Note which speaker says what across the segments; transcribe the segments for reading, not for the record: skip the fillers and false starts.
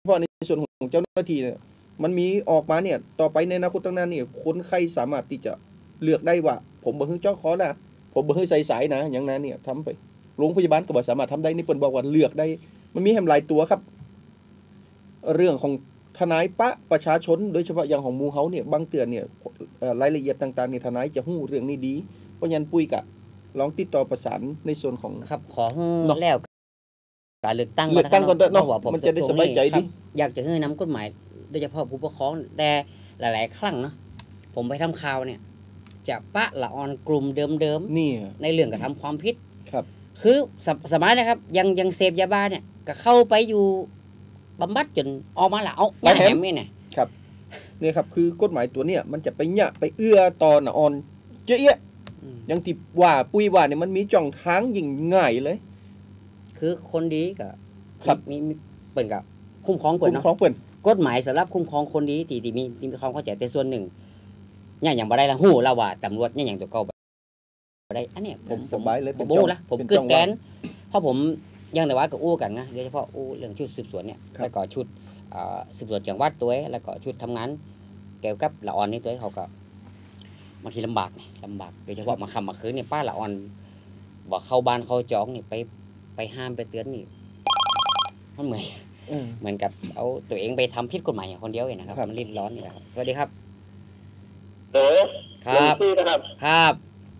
Speaker 1: เพราะในส่วนของเจ้าหน้าที่เนี่ยมันมีออกมาเนี่ยต่อไปในอนาคตข้างหน้าเนี่ยคนไข้สามารถที่จะเลือกได้ว่าผมบ่ฮึเจาะคอนะผมบ่ฮึใส่สายนะอย่างนั้นเนี่ยทำไปโรงพยาบาลก็บ่สามารถทำได้นี่เปิ้นบอกว่าเลือกได้มันมีแหมหลายตัวครับเรื่องของทนายประชาชนโดยเฉพาะอย่างของหมู่เฮาเนี่ยบางเตือนเนี่ยรายละเอียดต่างๆเนี่ยทนายจะฮู้เรื่องนี้ดีเพราะฉะนั้นปุ้ยกะลองติดต่อประสานในส่วนของ
Speaker 2: ครับขอแล้วการเลือกตั้ง
Speaker 1: ก่อนเนาะมันจะได้สบายใจดี
Speaker 2: อยากจะให้นำกฎหมายโดยเฉพาะผู้ปกครองแต่หลายๆครั้งเนาะผมไปทำข่าวเนี่ยจะปะละออนกลุ่มเดิมๆนี่ในเรื่องกระทำความผิด
Speaker 1: ครับ
Speaker 2: คือสมัยนะครับยังเสพยาบ้าเนี่ยก็เข้าไปอยู่บำบัดจนออกมาละเอาแหมไม่เนี่ย
Speaker 1: ครับนี่ครับคือกฎหมายตัวเนี้ยมันจะไปเนี่ยไปเอื้อตอนอ่อนเจ๊ะอย่างที่ว่าปุ้ยว่าเนี่ยมันมีจ่องทางยิ่งง่ายเลย
Speaker 2: คือคนดีก็
Speaker 1: ครับ
Speaker 2: มีเปิ่นกับคุ้มครองเปิ่นเนาะกฎหมายสำหรับคุ้มครองคนดีที่มีความเข้าใจแต่ส่วนหนึ่งเนี่ยอย่างบ่ได้ละหู้แล้วว่าตำรวจเนี่ยอย่างตัวเก่าบ่ได้อันเนี้ยผม
Speaker 1: สบายเลย
Speaker 2: ผมบู้ละผมกึดแกนเพราะผมยังแต่ว่าก็อู้กันนะโดยเฉพาะอู้เรื่องชุดสืบสวนเนี่ยแล้วก็ชุดสืบสวนจังหวัดตัวแล้วก็ชุดทำงานเกี่ยวกับละออนนี่ตัวเขาก็บางทีลำบากโดยเฉพาะมาค่ำมาคืนเนี่ยป้าละออนบอกเข้าบ้านเข้าจองนี่ไปห้ามไปเตือนนี่มันเหมือนกับเอาตัวเองไปทำผิดกฎหมายอย่างคนเดียวเองนะครับมันริดร้อนนี่แหละครับสวัสดีครับ
Speaker 3: ครับ
Speaker 2: ครับ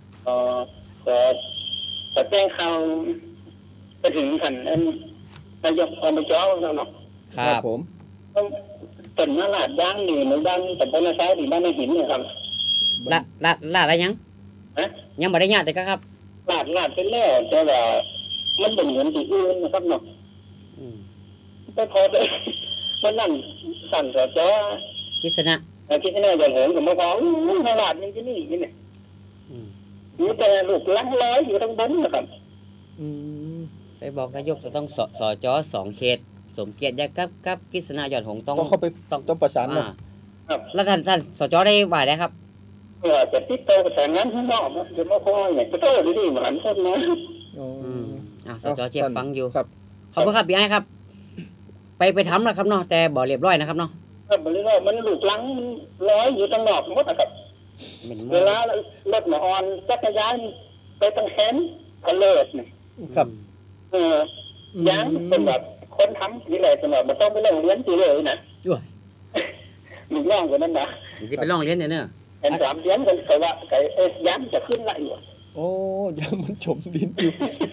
Speaker 3: แต่แจ้งข่าวไปถึงท่านนายกอบจแล้วเนาะ
Speaker 2: ครับ
Speaker 1: ผม
Speaker 3: ต้นมะลาดย่างนี่ในบ้านแต่บ้านซ้ายที่บ้านในหินเนี่ยครับ
Speaker 2: ลาอะไรยังยังไม่ได้ญาติแต่ครับ
Speaker 3: ลาดเป็นแล้วแต่ว่ามันเป็นเหมือนที่อื่นนะครับเนาะไปพอเลยมันนั่นสั่นแต่จ้า
Speaker 2: กิษณะ
Speaker 3: อย่างเหินกับมะพร้าวลาดนี่ที่นี่เนี่ยมีแต่ลูกลังร้อยอยู่ทั้งบนนะครับ
Speaker 2: ไปบอกนายกจะต้องสจ2 เขตสมเกียรติยากับกิษณะยอดหงต้อง
Speaker 1: เข้าไปต้องประสานนะ
Speaker 2: แล้วท่านสจได้ว่าได้ครับ
Speaker 3: จะติดต่อประสานงานข้างนอกจะมาคอยเนี่ยจะโตดีๆเหมือนคนนะ
Speaker 2: สจเจ็บฟังอยู่ครับขอบคุณครับพี่ไอ้ครับไปทำนะครับเนาะแต่บ่เรียบร้อยนะครับเนาะ
Speaker 3: บ่เรียบร้อยมันลูกลังร้อยอยู่ตั้งนอกหมดนะครับเวลารถมาออนจักรยานไปตั้งแขนก็เลิศนี่
Speaker 1: ครับ
Speaker 3: ยังเป็นแบบคนทำนี่แหละสำหรับมันต้องไปโรงเรียนสิเลยนะลูกน้องคนนั้นนะ
Speaker 2: จะไปโรงเรียนเนี่ย
Speaker 3: เป็น3 เดือนกันแต่ว่าไก่ย้ำจะขึ้นละอยู่
Speaker 1: โอ้ยังมันจมดินอยู่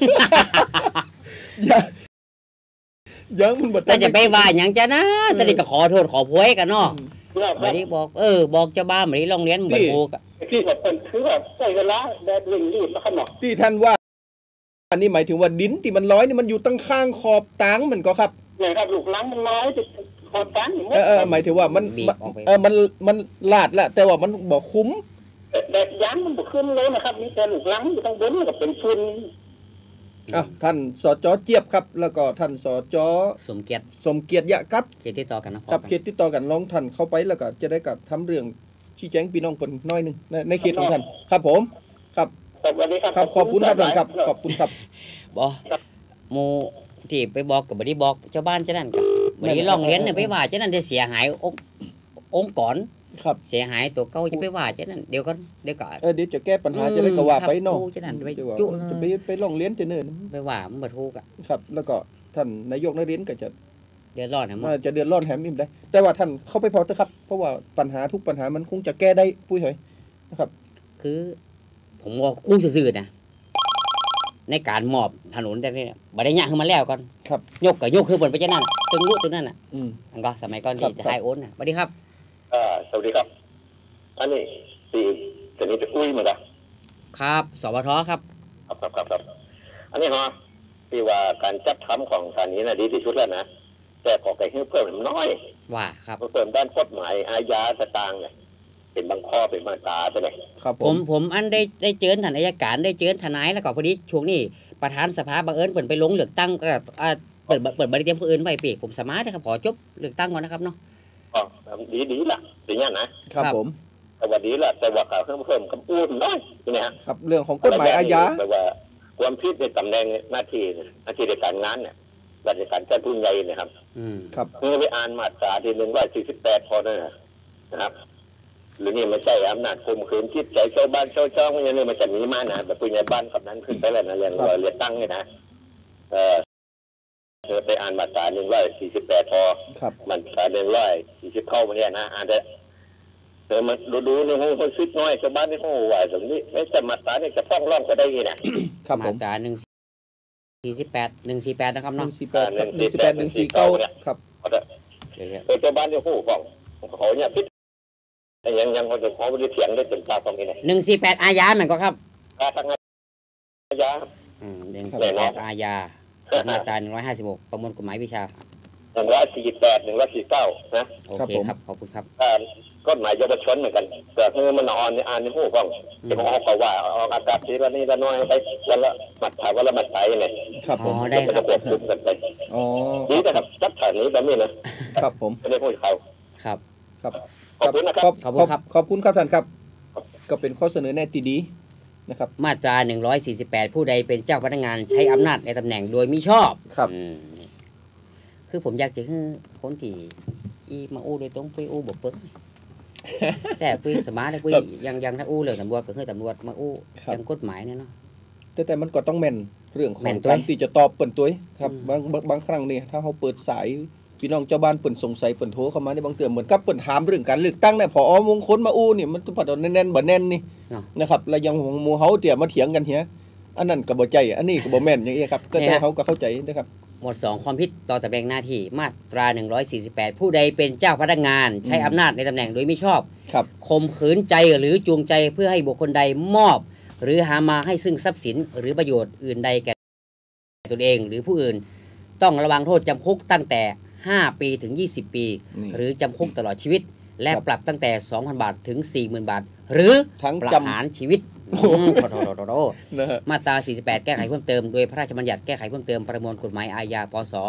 Speaker 1: ยังมัน
Speaker 2: แต่จะไปว่าอย่างจะนะแต่นี่ก็ขอโทษขอโพยกันเนาะไม่ได้บอกบอกเจ้าบ้านไม่ได้โรงเรียนเหมือนโบก
Speaker 3: ที่แบบคือแบบใส่เวลาแดดวิ่งรีบแล้วขนม
Speaker 1: ที่ท่านว่าอันนี้หมายถึงว่าดินที่มันร้อยนี่มันอยู่ตั้งข้างขอบตางมันก็ครับ
Speaker 3: เนี่ยครับลูกลังมันร้อยขอบตาง
Speaker 1: หมายถึงว่ามันลาดแหละแต่ว่ามันบอกคุ้ม
Speaker 3: แดดย้ำมันบุกขึ้นเลยนะครับมีแต่ลูกลังอยู่ตั้งบนกับเป็นฝุ่น
Speaker 1: ท่านสจ.เจี๊ยบครับแล้วก็ท่านสจ.
Speaker 2: สมเกียรติ
Speaker 1: ยะครับ
Speaker 2: เขตติดต่อกัน
Speaker 1: นะครับเขตติดต่อกันลองท่านเข้าไปแล้วก็จะได้กับทำเรื่องชี้แจงพี่น้องเพิ่นน้อยนึงในเขตของท่านครับผมครับ
Speaker 3: สวัสดีครับ
Speaker 1: ขอบคุณครับท่านครับขอบคุณครับ
Speaker 2: บ่หมู่ที่ไปบอกก็บ่ได้บอกเจ้าบ้านจังนั้นก็บ่ได้ร้องเรียนเนี่ยไปว่าจังนั้นจะเสียหายองค์กร
Speaker 1: ครับ
Speaker 2: เสียหายตัวเก่าจะไปว่าจังนั้นเดี๋ยวก่อน
Speaker 1: เดี๋ยวจะแก้ปัญหาจะได้ก็ว่าไปเนาะ
Speaker 2: จังนั้น
Speaker 1: จะไปร้องเรียนจะเนิ่น
Speaker 2: ไปว่ามันบ่ถูกอ่ะ
Speaker 1: ครับแล้วก็ท่านนายกนักเรียนก็จะ
Speaker 2: เดือดร้อน
Speaker 1: จะเดือดร้อนแถมอิ่มได้แต่ว่าท่านเข้าไปพอเถอะครับเพราะว่าปัญหาทุกปัญหามันคงจะแก้ได้ปุ้ยเฮ้ยนะครับ
Speaker 2: คือผมว่ากู้ซื่อๆนะในการมอบถนนแต่นี่บ่ได้ยากขึ้นมาแล้วก่อน
Speaker 1: ครับ
Speaker 2: ยกคือเพิ่นไปจังนั้นตึงรู้ตึงนั่นน่ะอันก็สมัยก่อนที่จะให้โอนน่ะสวัสดีครับ
Speaker 3: สวัสดีครับอันนี้ตีแต่นี้จะคุยเหมือนกัน
Speaker 2: ครับสวทครับ
Speaker 3: ครับอันนี้ฮะที่ว่าการจัดทำของสถานีน่ะดีที่สุดแล้วนะแต่ขอไก่เพิ่มน้อย
Speaker 2: ว่าครับ
Speaker 3: เพิ่มด้านกฎหมายอาญาต่างๆเนี่ยเป็นบางข้อเป็นมาตราใช่ไหม
Speaker 1: ครับ
Speaker 2: ผมอันได้เจอท่านอัยการได้เจอทนายแล้วก็พอดีช่วงนี้ประธานสภาบังเอิญเปิดไปลงเลือกตั้งก็เปิดบริเตรียมผู้อื่นไว้ปีผมสามารถนะครับขอจบเลือกตั้งก่อนนะครับเนาะ
Speaker 3: ดีล่ะอย่างนี้นะครับ
Speaker 1: ผม
Speaker 3: สวัสดีล่ะแต่ว่าข่าวเพิ่มคำพูดน้อยนี่ฮะ
Speaker 1: ครับเรื่องของกฎหมายอาญา
Speaker 3: แต่ว่าความผิดในตำแหน่งหน้าที่ในการงานเนี่ยราชการเจ้าผู้ใหญ่นะครับ
Speaker 1: ครับ
Speaker 3: เมื่อไปอ่านมาตราที่148พอนะครับหรือนี่ไม่ใช่อำนาจข่มขืนจิตใจชาวบ้านชาวช่องอย่างนี้มันจะหนีมานะแบบผู้ใหญ่บ้านกับนั้นขึ้นไปแล้วนะเรื่องเรียกตั้งเนี่ยนะเธอไปอ่านมาตรา148พอ
Speaker 1: ครับ
Speaker 3: มันตรา140เข้ามาเนี่ยนะอ่านได้เธอมาดูในห้องคนซิดน้อยชาวบ้านในห้องว่าตรงนี้ไม่จะมาตราเนี่ยจะฟ้องร้องก็ได้ไงนะครับ
Speaker 1: ผม
Speaker 2: มาตรา148นะครับ
Speaker 1: หนึ่
Speaker 2: เนาะ
Speaker 1: งสี่แปดครับ148 149ครับ
Speaker 3: ชาวบ้านในห้องฟ้องเขาเนี่ยพิษยังเขาจะขอไปเถียงได้จนตาตรงนี้เลย
Speaker 2: 148อาญาเหมือนก็ครับ
Speaker 3: ทางอาญา
Speaker 2: 148อาญามาตรา156ประมวลกฎหมายวิชา
Speaker 3: 148 149นะ
Speaker 2: โอเคครับขอบคุณครับ
Speaker 3: กฎหมายเยาวชนเหมือนกันแต่เมื่อมันอ่อนในหูฟังจะมองเขาว่าออกอากาศทีละนี่ละน้อยไปวันละหมัดถ่ายวันละหมัดถ่ายยังไง
Speaker 1: ครับผม
Speaker 2: ได้ครับ
Speaker 3: จะควบคุมกันไป
Speaker 1: อ๋อ
Speaker 3: นี่นะครับจับถ่ายนี้แบบนี้นะครับ
Speaker 1: ผม
Speaker 3: ไม่ได้พูดเขา
Speaker 2: ครับ
Speaker 1: ครับ
Speaker 3: ขอบคุณนะครับ
Speaker 2: ขอบคุณครับ
Speaker 1: ขอบคุณครับท่านครับ ก็เป็นข้อเสนอแนะที่ดีนะครับ
Speaker 2: มาตรา148ผู้ใดเป็นเจ้าพนักงานใช้อำนาจในตำแหน่งโดยมิชอบ
Speaker 1: ครับ
Speaker 2: นี่คือผมอยากจะให้คนที่อีมาอู้โดยตรงปุ้ยอู้บ่เปิ้ง แต่ปุ้ยสมาร์ทเลยปุ้ยยังถ้าอู้เรื่องตำรวจก็คือตำรวจมาอู้
Speaker 1: ครับ
Speaker 2: ยังกฎหมายเนี่ยเนาะ
Speaker 1: แต่มันก็ต้องแม่นเรื่องขอ
Speaker 2: แม่
Speaker 1: ง
Speaker 2: นตัว
Speaker 1: การที่จะตอบเปิ่นตัวครับ
Speaker 2: อืม
Speaker 1: บางครั้งเนี่ยถ้าเขาเปิดสายพี่น้องเจ้าบ้านเปิ่นสงสัยเปิ่นโทรเข้ามาในบางเตือนเหมือนกับเปิ่นถามเรื่องการเลือกตั้งเนี่ยพอมงคลมาอู้นี่มันต้องปัดแน่นๆบ่แน่นนี่
Speaker 2: เนาะ
Speaker 1: นะครับแล้วยังหมู่เฮาเตี่ยมาเถียงกันเฮียอันนั้นก็บ่ใจอันนี้ก็บ่แม่นอย่างนี้ครับแต่เขาก็เข้าใจนะครับ
Speaker 2: หมวด2ความผิดต่อตำแหน่งหน้าที่มาตรา148ผู้ใดเป็นเจ้าพนักงานใช้อำนาจในตำแหน่งโดยมิชอบ
Speaker 1: ครับ
Speaker 2: ข่มขืนใจหรือจูงใจเพื่อให้บุคคลใดมอบ หรือหามาให้ซึ่งทรัพย์สินหรือประโยชน์อื่นใดแก่ตนเองหรือผู้อื่น ต้องระวังโทษจำคุกตั้งแต่5 ปีถึง20 ปี
Speaker 1: นี่
Speaker 2: หรือจำคุกตลอดชีวิต และ
Speaker 1: ครับ
Speaker 2: ปรับตั้งแต่ 2,000 บาทถึง 40,000 บาท หรือ
Speaker 1: ทั้ง
Speaker 2: ประ
Speaker 1: จำ
Speaker 2: หารชีวิตโถ
Speaker 1: นะฮะ
Speaker 2: มาตรา 48 แก้ไขเพิ่มเติมโดยพระราชบัญญัติแก้ไขเพิ่มเติมประมวลกฎหมายอาญาพศ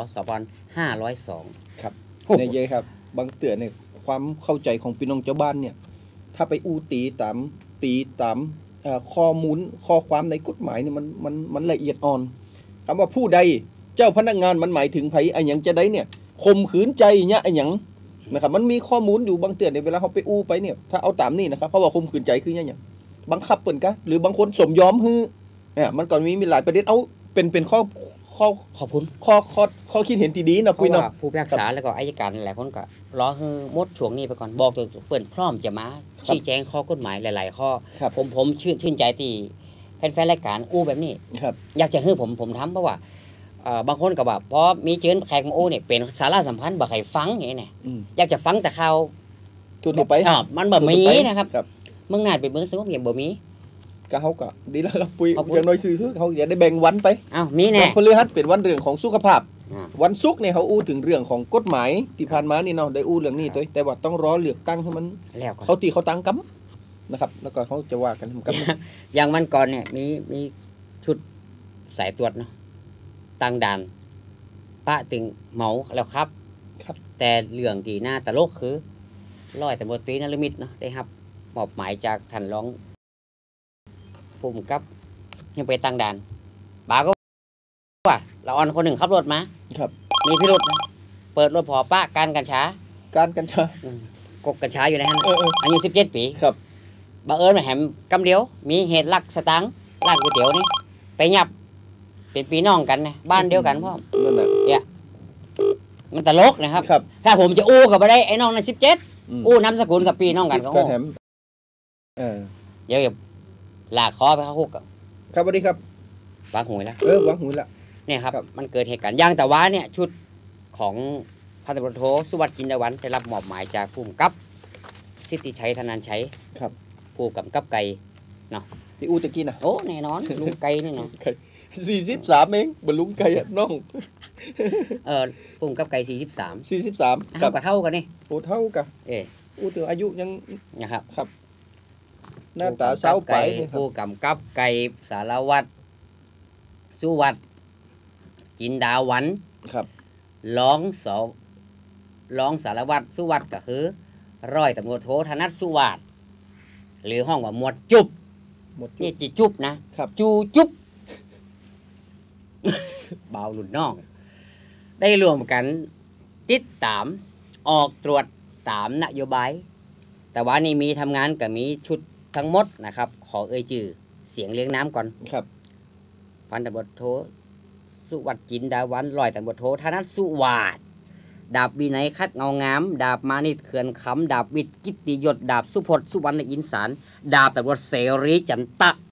Speaker 2: 2502
Speaker 1: ครับ
Speaker 2: โอ้โห
Speaker 1: ในเยอะครับ บางเตือนเนี่ยความเข้าใจของพี่น้องเจ้าบ้านเนี่ย ถ้าไปอู้ตีตามข้อมูลข้อความในกฎหมายเนี่ยมันละเอียดอ่อนคำว่าผู้ใดเจ้าพนักงานมันหมายถึงไผไอ้หยังจะได้เนี่ยข่มขืนใจเนี่ยไอ้หยังนะครับมันมีข้อมูลอยู่บางเตือนในยเวลาเขาไปอู้ไปเนี่ยถ้าเอาตามนี่นะครับเพราะว่าข่มขืนใจคือเนี่ยอย่างบังคับเปิ่นกะหรือบางคนสมยอมฮือเนี่ยมันก็มีหลายประเด็นเอาเป็นข้อ
Speaker 2: ขอบคุณ
Speaker 1: ข้อคิดเห็นที่ดีนะ
Speaker 2: เพ
Speaker 1: ปุ้ย
Speaker 2: ราะ
Speaker 1: เนาะ
Speaker 2: ว่าผู้พิพากษาแล้วก็อัยการหลายคนก็รอให้หมดช่วงนี้ไปก่อนบอกตัวเปิดพร้อมจะมาชี้แจงข้อกฎหมายหลาย ๆ ข้อ
Speaker 1: ครับ
Speaker 2: ผมชื่นใจที่แฟนๆรายการอู้แบบนี้
Speaker 1: ครับ
Speaker 2: อยากจะให้ผมทำเพราะว่าบางคนก็แบบพอมีเชิญแขกมาอู้เนี่ยเป็นสาระสัมพันธ์บ่ใครฟังอย่างนี้เนี่ย
Speaker 1: อืม
Speaker 2: อยากจะฟังแต่ข่าว
Speaker 1: ทั่วไป
Speaker 2: มันแบบมี
Speaker 1: ทั่วไป
Speaker 2: นะครับ
Speaker 1: ครับ
Speaker 2: เมืองนาดเป็นเมืองสงบเงียบบ่มี
Speaker 1: ก็เขาก็ดีแล้วครับปุ้ย
Speaker 2: ขอบคุณ
Speaker 1: อย่างน้อยคือเขาอยากได้แบ่งวันไป
Speaker 2: อ้าวมีแน่
Speaker 1: วันพฤหัสเป็นวันเรื่องของสุขภาพ
Speaker 2: อ่า
Speaker 1: วันศุกร์เนี่ยเขาอู้ถึงเรื่องของกฎหมายที่ผ่านมานี่เนาะได้อู้เรื่องนี้ตัวแต่ว่าต้องรอเลือกตั้งให้มัน
Speaker 2: แล้วก่อน
Speaker 1: เขาตีเขาตั้งกำนะครับ แล้วก็เขาจะว่ากันทำกำ
Speaker 2: อย่างวันก่อนเนี่ยมีชุดสายตรวจเนาะตั้งด่านปะถึงเหมาแล้วครับ
Speaker 1: ครับ
Speaker 2: แต่เรื่องที่น่าตลกคือร้อยตำรวจตรีนฤมิตเนาะได้ครับมอบหมายจากท่านรองผู้กำกับยังไปตั้งด่านป๋าก็ว่าเราออนคนหนึ่งขับรถมา
Speaker 1: ครับ
Speaker 2: มีพิรุษนะเปิดรถพอป้าการกัญชา
Speaker 1: การกัญชาก
Speaker 2: กกัญชาอยู่ในนั้น
Speaker 1: เออ
Speaker 2: อายุ17 ปี
Speaker 1: ครับ
Speaker 2: บังเอิญมาแหมกำเดียว มีเหตุลักสตังค์ร้านก๋วยเตี๋ยวนี่ไปหยับเป็นพี่น้องกันนะบ้านเดียวกันพ่อ
Speaker 1: นั่นแหละ
Speaker 2: มันตลกนะครับ
Speaker 1: ครับ
Speaker 2: ถ้าผมจะอู้กับไปได้ไอ้น้องใน17
Speaker 1: อืม
Speaker 2: อู้นามสกุลกับพี่น้องกันก็
Speaker 1: กา
Speaker 2: โห
Speaker 1: รแถมเออ
Speaker 2: เดี๋ยวอย่าลากคอไปเข้าคุกกับ
Speaker 1: ครับสวัสดีครับ
Speaker 2: วางหวยแล้ว
Speaker 1: วางหูละ
Speaker 2: เนี่ยครับ
Speaker 1: ครับ
Speaker 2: มันเกิดเหตุการณ์ย่างแต่ว่าเนี่ยชุดของพันตำรวจโทสุวัสดิ์จินดาวันได้รับมอบหมายจากผู้กำกับสิทธิชัยธนันชัย
Speaker 1: ครับ
Speaker 2: ผู้กำกับไก่
Speaker 1: ที่อู้ตะกี้นะ
Speaker 2: โอ้แน่นอนลุงไก่นี่นะ
Speaker 1: 43เองบรรลุงไก่อะน้อง
Speaker 2: ผู้กำกับไก่43
Speaker 1: 43
Speaker 2: เท่ากับเท่ากันนี่
Speaker 1: โอ้เท่ากับ
Speaker 2: เอ๊ะ
Speaker 1: อู้ถึงอายุยัง
Speaker 2: นะครับ
Speaker 1: หน้าตาเศร้าไปนี่ครับ
Speaker 2: ผู้กำกับไก่สารวัตรสุวัสดิ์จินดาวัน
Speaker 1: ครับ
Speaker 2: รองสารวัตรสุวัสดิ์ก็คือร้อยตำรวจโทธนัทสุวัสดิ์หรือห้องว่าหมวดจุบ
Speaker 1: หมดจุ
Speaker 2: นี่
Speaker 1: ด
Speaker 2: จีจุบนะครับ จูจุบ เบาหลุดน้องได้รวมกันติดตามออกตรวจตามนโยบายแต่ว่านี่มีทำงานกับมีชุดทั้งหมดนะครับขอเอ่ยชื่อเสียงเลี้ยงน้ำก่อน
Speaker 1: ครับ
Speaker 2: พันตำรวจโทสุวัตจินดาวันร้อยตำรวจโทธนัทสุวาทดาบวินัยคัดเงางาม ดาบมานิตเขื่อนคำดาบวิทย์กิตติยศดาบสุพจน์สุวรรณอินสารดาบตำรวจเสรีจันตะ